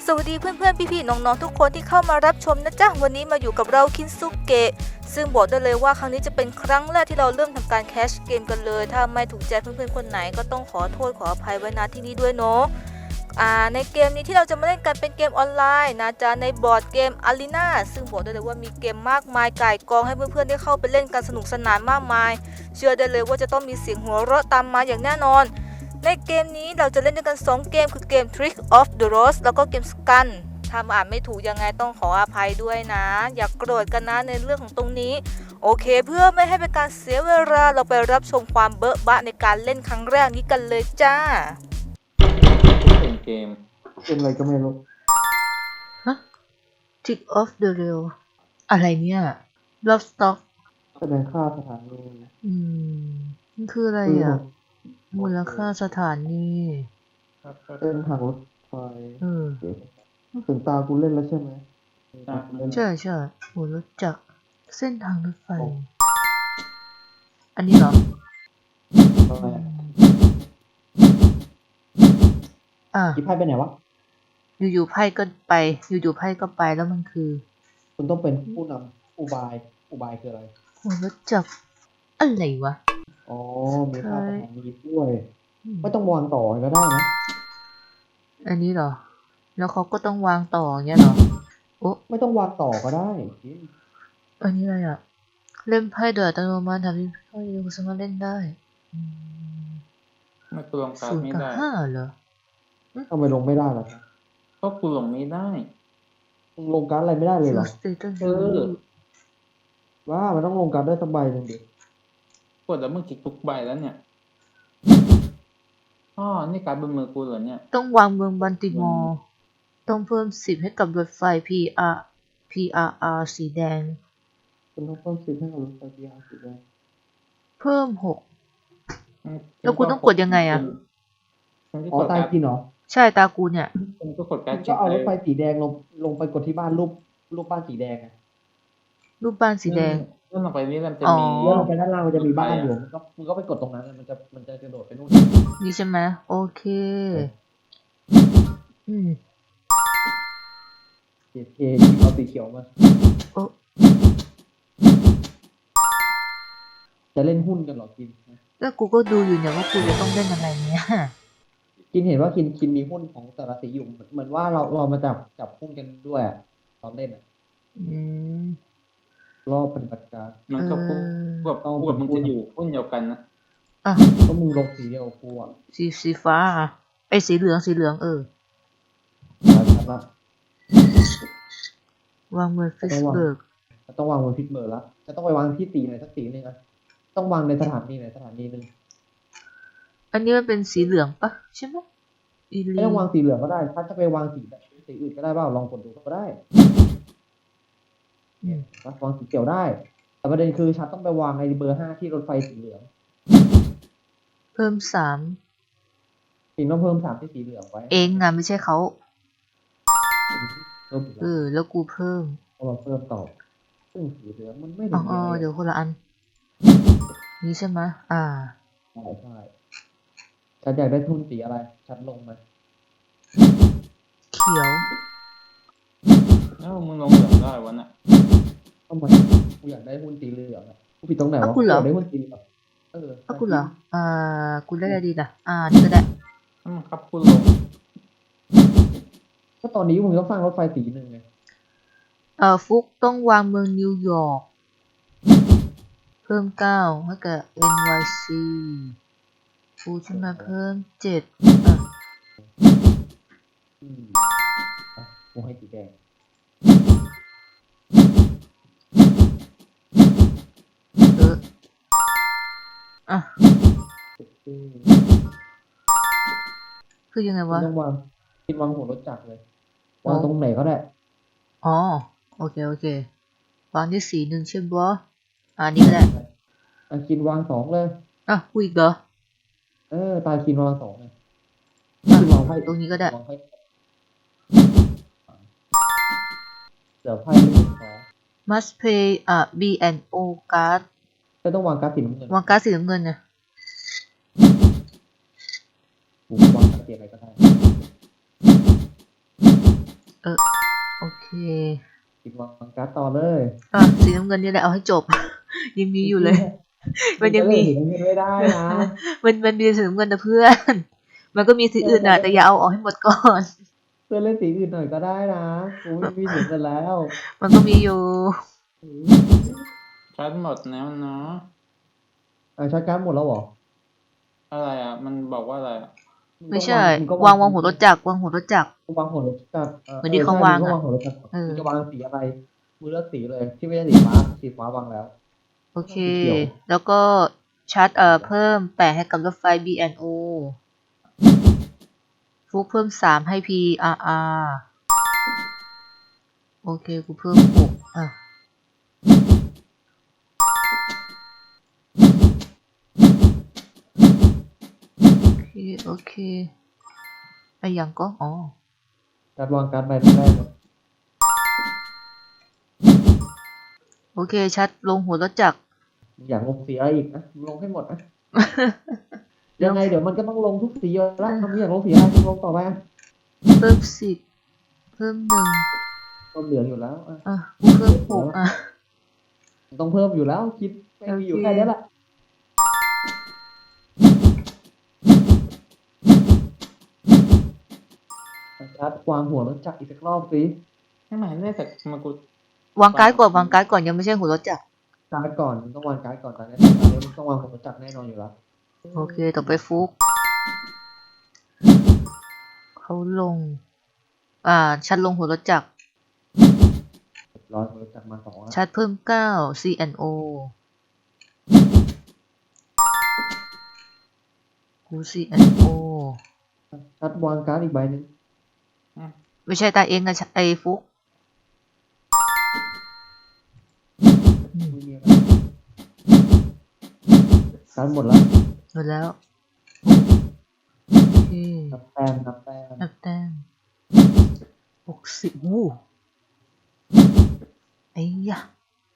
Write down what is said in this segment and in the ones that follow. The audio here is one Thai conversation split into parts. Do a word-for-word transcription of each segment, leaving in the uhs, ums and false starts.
สวัสดีเพื่อนๆพี่ๆน้องๆทุกคนที่เข้ามารับชมนะจ๊ะวันนี้มาอยู่กับเราคินซุเกะซึ่งบอกได้เลยว่าครั้งนี้จะเป็นครั้งแรกที่เราเริ่มทำการแคชเกมกันเลยถ้าไม่ถูกใจเพื่อนๆคนไหนก็ต้องขอโทษขออภัยไว้ณที่นี้ด้วยเนาะอ่าในเกมนี้ที่เราจะมาเล่นกันเป็นเกมออนไลน์นะจ๊ะในบอร์ดเกม Arena ซึ่งบอกได้เลยว่ามีเกมมากมายก่ายกองให้เพื่อนๆได้เข้าไปเล่นกันสนุกสนานมากมายเชื่อได้เลยว่าจะต้องมีเสียงหัวเราะตามมาอย่างแน่นอนในเกมนี้เราจะเล่นด้วยกันสองเกมคือเกม Trick of the Rose แล้วก็เกม Scan ถ้าอ่านไม่ถูกยังไงต้องขออภัยด้วยนะอย่ากโกรธกันนะในเรื่องของตรงนี้โอเคเพื่อไม่ให้เป็นการเสียเวลาเราไปรับชมความเบอะบะในการเล่นครั้งแรกนี้กันเลยจ้าเป็นเกมเป็นอะไรก็ไม่รู้ฮะ Trick of the Rail อะไรเนี่ย Lovestock แสดงค่าสถานีอืมมันคืออะไรอ่ะมูลค่าสถานีเส้นทางรถไฟเออถึงตากูเล่นแล้วใช่ไหมใช่ใช่โหรู้จักเส้นทางรถไฟอันนี้เหรออ่ะกี่ไพ่ไปไหนวะอยู่ๆไพ่ก็ไปอยู่ๆไพ่ก็ไปแล้วมันคือคุณต้องเป็นผู้นำอุบายอุบายคืออะไรโหรู้จักอะไรวะอ๋อมีค่าสถานีด้วยไม่ต้องวางต่อก็ได้นะอันนี้เหรอแล้วเขาก็ต้องวางต่ออย่างเงี้ยเหรอโอ้ไม่ต้องวางต่อก็ได้อันนี้อะไรอ่ะเล่นไพ่โดยอัตโนมัติทำให้พ่อยังสามารถเล่นได้ไม่กูลงการ์ดไม่ได้ห้าเหรอทำไมลงไม่ได้ล่ะครับก็กูลงไม่ได้มึงลงการ์ดอะไรไม่ได้เลยเหรอเออว่ามันต้องลงการ์ดได้สักใบหนึ่งดิกดแล้วมึงจิกทุกใบแล้วเนี่ยอ๋อนี่การ์ดบนมือกูเหรอเนี่ยต้องวางเมืองบันติมอร์ต้องเพิ่มสิบให้กับรถไฟ พี อาร์ พี อาร์ อาร์ สีแดงคุณต้องเพิ่มสิบให้กับรถไฟ พี อาร์ สีแดงเพิ่มหกแล้วกูต้องกดยังไงอ่ะอ๋อตายกินเหรอใช่ตากูเนี่ยคุณก็กดการ์ดก็เอารถไฟสีแดงลงลงไปกดที่บ้านรูปรูปบ้านสีแดงอะรูปบ้านสีแดงเลื่อนลงไปนี่มันจะมีเลื่อนลงไปด้านล่างมันจะมีบ้านอยู่มันก็มันก็ไปกดตรงนั้นมันจะมันจะกระโดดไปนู่นนี่ใช่ไหมโอเคอืมเคเคเอาสีเขียวมาจะเล่นหุ้นกันหรอกินแล้วกูก็ดูอยู่เนี่ยว่ากูจะต้องเล่นอะไรเนี่ยกินเห็นว่ากินกินมีหุ้นของแต่ละสีอยู่เหมือนว่าเราเรามาจับจับหุ้นกันด้วยตอนเล่นอ่ะอืมรอบปฏิบัติการมันก็พูดแบบพูดมึงจะอยู่หุ้นเดียวกันนะอ่ะก็มึงลงสีเดียวกูอ่ะสีสีฟ้าไอ้สีเหลืองสีเหลืองเออชัดละวางมือฟิสเบิร์กต้องวางบนพิษเบอร์ละจะต้องไปวางที่สีไหนสักสีหนึ่งอ่ะต้องวางในสถานีไหนสถานีหนึ่งอันนี้มันเป็นสีเหลืองปะใช่ไหมไม่ต้องวางสีเหลืองก็ได้ถ้าจะไปวางสีแบบสีอื่นก็ได้บ้างลองกดดูก็ได้วางสีเขียวได้แต่ประเด็นคือชัดต้องไปวางในเบอร์ห้าที่รถไฟสีเหลืองเพิ่มสามสีต้องเพิ่มสามที่สีเหลืองไว้เองอะไม่ใช่เขาเพิ่มเออแล้วกูเพิ่มเราเพิ่มต่อซึ่งสีเหลืองมันไม่อ๋อเดี๋ยวคนละอันนี่ใช่ไหมอ่าใช่ใช่ฉันอยากได้ทุนสีอะไรฉันลงมาเขียวเอ้ามึงลงเหลืองได้วะน่ะทำไมกูอยากได้หุ้นสีเหลืองอ่ะกูผิดตรงไหนวะกูอยากได้หุ้นสีเหลืองเออเอากูเหรออ่ากูได้อะไรดีล่ะอ่านี่ก็ได้อืมครับคุณลงก็ตอนนี้มึงต้องสร้างรถไฟสีหนึ่งไงเอ่อฟุกต้องวางเมืองนิวยอร์กเพิ่มเก้าให้กับ เอ็น วาย ซี กูจะมาเพิ่มเจ็ดอ่ะอืมกูให้สีแดงเอออ่ะคือยังไงวะต้องวางคิดวางหัวรถจักรเลยวางตรงไหนก็ได้อ๋อโอเคโอเควางที่สีหนึ่งใช่ปะอ่านี่ก็ได้ตาคินวางสองเลยอ่ะกูอีกเหรอเออตาคินวางสองเลยคินวางไพ่ตรงนี้ก็ได้เดี๋ยวไพ่ไม่ถึงพอ must pay อ่ะ B and O card ก็ต้องวางการ์ดสีน้ำเงินวางการ์ดสีน้ำเงินนะกูวางการ์ดสีอะไรก็ได้อโอเคกินวางการ์ดต่อเลยอ่ะสีน้ำเงินนี่แหละเอาให้จบ ยังมีอยู่เลย มันยังมีจะเลือกสีน้ำเงินไม่ได้นะมันมันมีสีน้ำเงินนะเพื่อน มันก็มีสีอื่นอ่ะ แต่อย่าเอาออกให้หมดก่อนเพื่อนเล่นสีอื่นหน่อยก็ได้นะกูไม่มีสีกันแล้วมันก็มีอยู่ชัดหมดแล้วเนาะอ่าใช้การ์ดหมดแล้วเหรออะไรอ่ะ มันบอกว่าอะไรอ่ะไม่ใช่งก็วางวางหัวรถจักรวางหัวรถจักรวางหัวรถจักรเหมือนที่เขาวางอะวางหัวรถจักรเออมึงจะวางสีอะไรมือเลือกสีเลย ที่ไม่ใช่สีฟ้าสีฟ้าวางแล้วโอเคสีเขียวแล้วก็ชาร์จเอ่อเพิ่มแปดให้กับรถไฟ บี แอนด์ โอ ฟุกเพิ่มสามให้ พี อาร์ อาร์ โอเค กูเพิ่มหกอ่ะ โอเค โอเคไอ้ยังก็ อ๋อการดวางการ์ดใบแรกโอเค ชัดลงหัวรถจักรมึงอยากลงสีอะไรอีกนะมึงลงให้หมดนะ ยังไงเดี๋ยวมันก็ต้องลงทุกสีอยู่แล้วทำไมอยากลงสีอะไรมึงลงต่อไปอ่ะเพิ่มสิบเพิ่มหนึ่งก็เหลืออยู่แล้วอ่ะอ่ะกูเพิ่มหกอ่ะต้องเพิ่มอยู่แล้วคิดไม่มีอยู่แค่นี้แหละชัดวางหัวรถจักรอีกสักรอบสิไม่หมายเลขแต่มากูวางการ์ดก่อนวางการ์ดก่อนยังไม่ใช่หัวรถจักรการ์ดก่อนมึงต้องวางการ์ดก่อนตอนนี้ตอนนี้มึงต้องวางหัวรถจักรแน่นอนอยู่แล้วโอเค ต่อไปฟุก เขาลง อ่า ชัดลงหัวรถจักรร้อยหัวรถจักรมาสองแล้วชัดเพิ่มเก้า ซี แอนด์ โอ กู ซี แอนด์ โอชัดวางการ์ดอีกใบหนึ่งไม่ใช่ตาเองนะไอ้ฟุกไม่มีอะไรการ์ดหมดแล้วหมดแล้ว โอเคนับแต้มนับแต้มนับแต้มหกสิบวู้ไอ้ยะ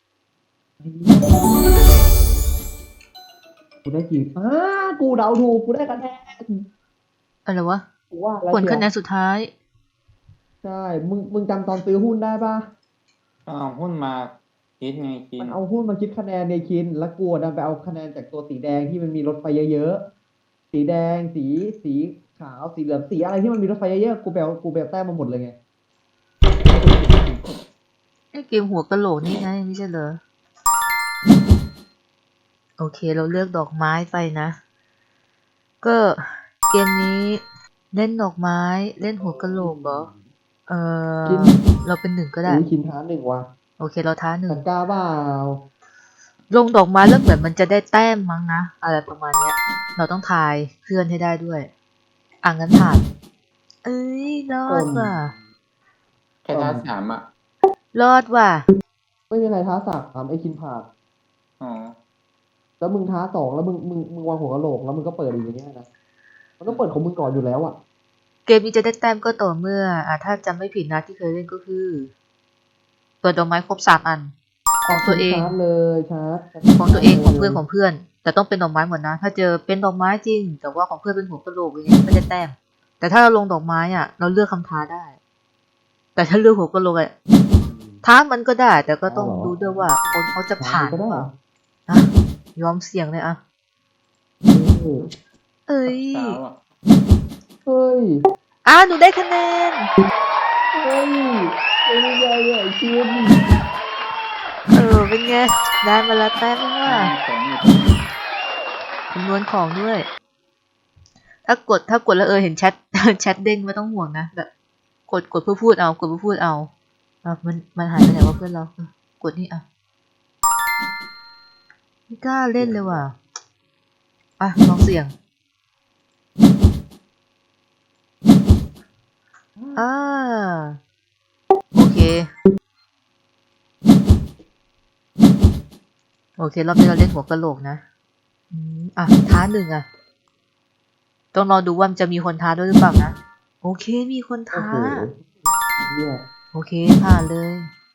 กูได้กี่อ้ากูเดาถูกกูได้คะแนนอะไรวะกูว่าแล้วผลเชียวคะแนนสุดท้ายใช่ มึง มึงจำตอนซื้อหุ้นได้ปะเอาหุ้นมาคิดไงกิมัน นเอาหุ้นมาคิดคะแนนในคิน แล้วกูดันไปเอาคะแนนจากตัวสีแดงที่มันมีรถไฟเยอะๆ สีแดง สี สีขาว สีเหลือง สีอะไรที่มันมีรถไฟเยอะๆ กูไปเอากูไปเอาแต้มมาหมดเลยไงไอ้เกมหัวกะโหลกนี่ไงไม่ใช่เหรอ โอเคเราเลือกดอกไม้ไปนะ ก็เกมนี้เล่นดอกไม้เล่นหัวกะโหลกเหรอ เออกินเราเป็นหนึ่งก็ได้อุ้ยคินท้าหนึ่งว่ะโอเคเราท้าหนึ่ตะงกร้าเปล่าลงดอกไม้แล้วเหมือนมันจะได้แต้มมั้งนะ อะไรประมาณเนี้ย เราต้องทายเพื่อนให้ได้ด้วย อ่ะงั้นผ่าน เอ้ยรอดว่ะแค่ท้าสามอ่ะรอดว่ะไม่มีอะไรท้าสามถามไอ้คินผ่านอ๋อแล้วมึงท้าสองแล้วมึง มึง มึงวางหัวกะโหลกแล้วมึงก็เปิดอีกอย่างเงี้ยนะ มันต้องเปิดของมึงก่อนอยู่แล้วอ่ะเกมนี้จะได้แต้มก็ต่อเมื่อ อ่ะถ้าจำไม่ผิดนะที่เคยเล่นก็คือ เปิดดอกไม้ครบสามอัน ของตัวเองชาร์จเลยชาร์จของตัวเองของเพื่อนของเพื่อน แต่ต้องเป็นดอกไม้หมดนะ ถ้าเจอเป็นดอกไม้จริง แต่ว่าของเพื่อนเป็นหัวกะโหลกอย่างเงี้ยไม่ได้แต้ม แต่ถ้าเราลงดอกไม้อ่ะ เราเลือกคำท้าได้ แต่ถ้าเลือกหัวกะโหลกอ่ะท้ามันก็ได้ แต่ก็ต้องดูด้วยว่าคนเขาจะผ่านหก็รือได้เปล่านะยอมเสี่ยงเลยอ่ะเออเอ้ยเช้าอ่ะเฮ้ยอ่ะหนูได้คะแนนเฮ้ยเป็นยังไงอ่ะไอ้คินเออเป็นไงได้มาละแต้มนึงว่ะของอยู่ตรงนี้คำนวณของด้วย ถ้ากดถ้ากดแล้วเออเห็นแชท แชทเด้งไม่ต้องห่วงนะแบบกดกดเพื่อพูดเอากดเพื่อพูดเอาอ่ะมันมันหายไปไหนวะเพื่อนเราเออกดนี่อ่ะไม่กล้าเล่นเลยว่ะอ่ะลองเสี่ยงอ่าโอเคโอเครอบนี้เราเล่นหัวกะโหลกนะอืมอ่ะท้าหนึ่งอ่ะต้องรอดูว่ามันจะมีคนท้าด้วยหรือเปล่านะโอเคมีคนโอ้ท้าโหเนี่ยโอเคผ่านเลย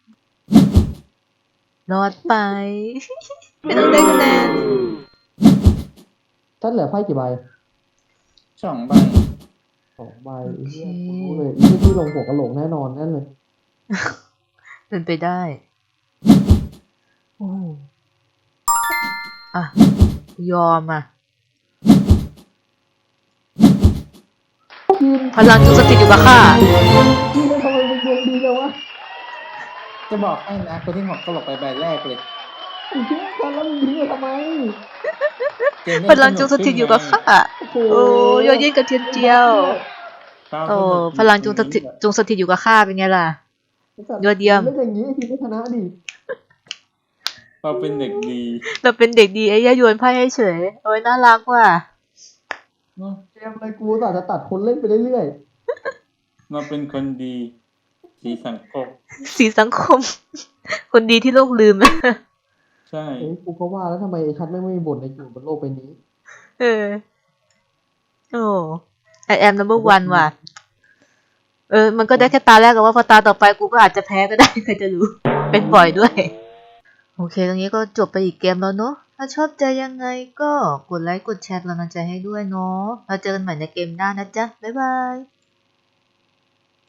รอดไป ไม่ต้องได้คะแนนท่านเหลือไพ่กี่ใบสองใบเออ เป็นไง ได้มาละแต้มนึงว่ะของอยู่ตรงนี้คำนวณของด้วยเออคำนวณของด้วยท่านเหลือไพ่กี่ใบคำนวณของด้วยสองใบสองใบโอเคเหี้ยกูรู้เลยที่ที่ลงหัวกะโหลกแน่นอนนั่นเลยเป็นไปได้ โอ้อ่ะ ยอมอ่ะ พลังจงสถิตอยู่กับข้าพี่ทำไมมึงดวงดีจังวะจะบอกให้นะคนที่หอกกระโหลกไปใบแรกเลยไอ้เหี้ยกันแล้วมึงยิงเลยทำไมเกมเล่นพลังจงสถิตอยู่กับข้าโอ้โหโอ้ยอดเยี่ยมกระเทียมเจียวเฝ้าโอ้สนุกพลังจงสถิตจงสถิตอยู่กับข้าเป็นไงล่ะ ยอดเยี่ยมเล่นอย่างนี้ทีมไม่ชนะดิเราเป็นเด็กดีเราเป็นเด็กดีไอ้ย่าโยนไพ่ให้เฉยโอ้ยน่ารักว่ะเนอะเกมอะไรกูแต่จะตัดคนเล่นไปเรื่อยเราเป็นคนดี สีสังคมสีสังคม คนดีที่โลกลืมใช่ๆเอ้ยกูก็ว่าแล้วทำไมไอ้ชัดไม่งไม่มีบทในอยู่บนโลกใบนี้เออ โอ้ I am number one ว่ะ เออ มันก็ได้แค่ตาแรกกับว่าพอตาต่อไปกูก็อาจจะแพ้ก็ได้ ใครจะรู้ เป็นบ่อยด้วย โอเค ตรงนี้ก็จบไปอีกเกมแล้วเนอะ ถ้าชอบใจยังไงก็กดไลค์ กดแชร์กำลังใจให้ด้วยเนาะ เราเจอกันใหม่ในเกมหน้านะจ๊ะ บ๊ายบาย